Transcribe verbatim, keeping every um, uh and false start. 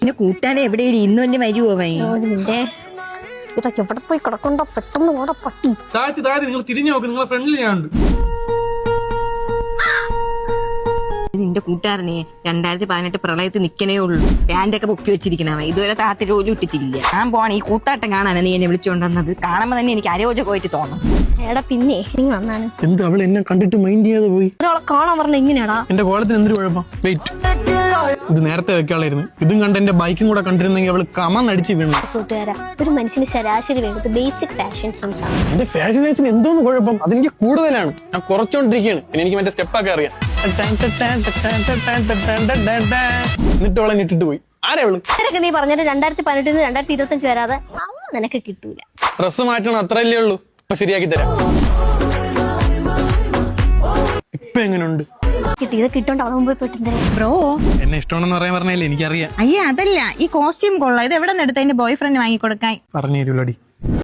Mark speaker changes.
Speaker 1: പിന്നെ കൂട്ടാനെ എവിടെ ഇന്ന് തന്നെ വരുവോ വൈ
Speaker 2: നിന്റെ ഇതൊക്കെ എവിടെ പോയി കിടക്കണ്ടോ പെട്ടെന്ന് ഓടെ പട്ടി.
Speaker 3: താഴ്ത്തി താഴ്ത്തി നിങ്ങൾ തിരിഞ്ഞു നോക്ക്, നിങ്ങളെ ഫ്രണ്ടിൽ ഞാനുണ്ട്.
Speaker 1: നിന്റെ കൂട്ടുകാരനെ രണ്ടായിരത്തി പതിനെട്ട് പ്രളയത്തിൽ നിക്കണേ ഉള്ളൂ. പാൻറ്റൊക്കെ പൊക്കി വെച്ചിരിക്കണവ ഇതുവരെ താത്തി ജോലി ഇട്ടിട്ടില്ല. ഞാൻ പോണ ഈ കൂത്താട്ടം കാണാനാണ് നീ എന്നെ വിളിച്ചുകൊണ്ടുവന്നത്. കാണുമ്പോ തന്നെ എനിക്ക് അരോചകമായിട്ട് തോന്നും.
Speaker 2: എടാ പിന്നെ നീ വന്നാണ്
Speaker 3: എന്ത് അവൾ എന്നെ കണ്ടിട്ട് മൈൻഡ് ചെയ്യാതെ പോയി?
Speaker 2: ഒരാളെ കാണാൻ പറഞ്ഞ ഇങ്ങനെയാടാ.
Speaker 3: എന്റെ കോളത്തിന് എന്തൊരു കുഴപ്പം? വെയിറ്റ്, ഇത് നേരത്തെ വെക്കാളായിരുന്നു. ഇതും കണ്ട് എന്റെ ബൈക്കും കൂടെ കണ്ടിരുന്നെങ്കിൽ അവള് കമന്നടിച്ച് വീണു.
Speaker 2: കൂട്ടുകാരാ, ഒരു മനുഷ്യന് ശരാശരി വേണ്ടത് ബേസിക് ഫാഷൻ സെൻസ് ആണ്.
Speaker 3: എന്റെ ഫാഷൻ സെൻസിന് എന്തോന്ന് കുഴപ്പം? അതെനിക്ക് കൂടുതലാണ്. ഞാൻ കുറച്ചോണ്ടിരിക്കുകയാണ്. പിന്നെ എനിക്ക് മറ്റേ സ്റ്റെപ്പൊക്കെ അറിയാം. എന്നിട്ട് അവളെ ഇട്ടിട്ട് പോയി. ആരാ അവള്?
Speaker 2: ഇതൊക്കെ നീ പറഞ്ഞിട്ട് രണ്ടായിരത്തി പതിനെട്ടിന് രണ്ടായിരത്തി ഇരുപത്തി അഞ്ച് വരാതെ അവ നിനക്ക് കിട്ടൂല.
Speaker 3: ഡ്രസ് മാറ്റണം, അത്രയല്ലേ ഉള്ളൂ. ഇപ്പൊ ശരിയാക്കി തരാം. ഇപ്പൊ എങ്ങനെയുണ്ട്?
Speaker 2: കിട്ടി ഇത് കിട്ടോണ്ട് അവളെ മുമ്പ് പോയിട്ടുണ്ട്.
Speaker 1: ബ്രോ
Speaker 3: എന്നെ ഇഷ്ടമാണെന്ന് പറയാൻ പറഞ്ഞല്ലേ എനിക്കറിയാം.
Speaker 1: അയ്യേ അതല്ല, ഈ കോസ്റ്റ്യൂം കൊള്ളാം. ഇത് എവിടെ നിന്ന് എടുത്ത എന്റെ ബോയ് ഫ്രണ്ട് വാങ്ങിക്കൊടുക്കാൻ?
Speaker 3: പറഞ്ഞു തരൂലടി.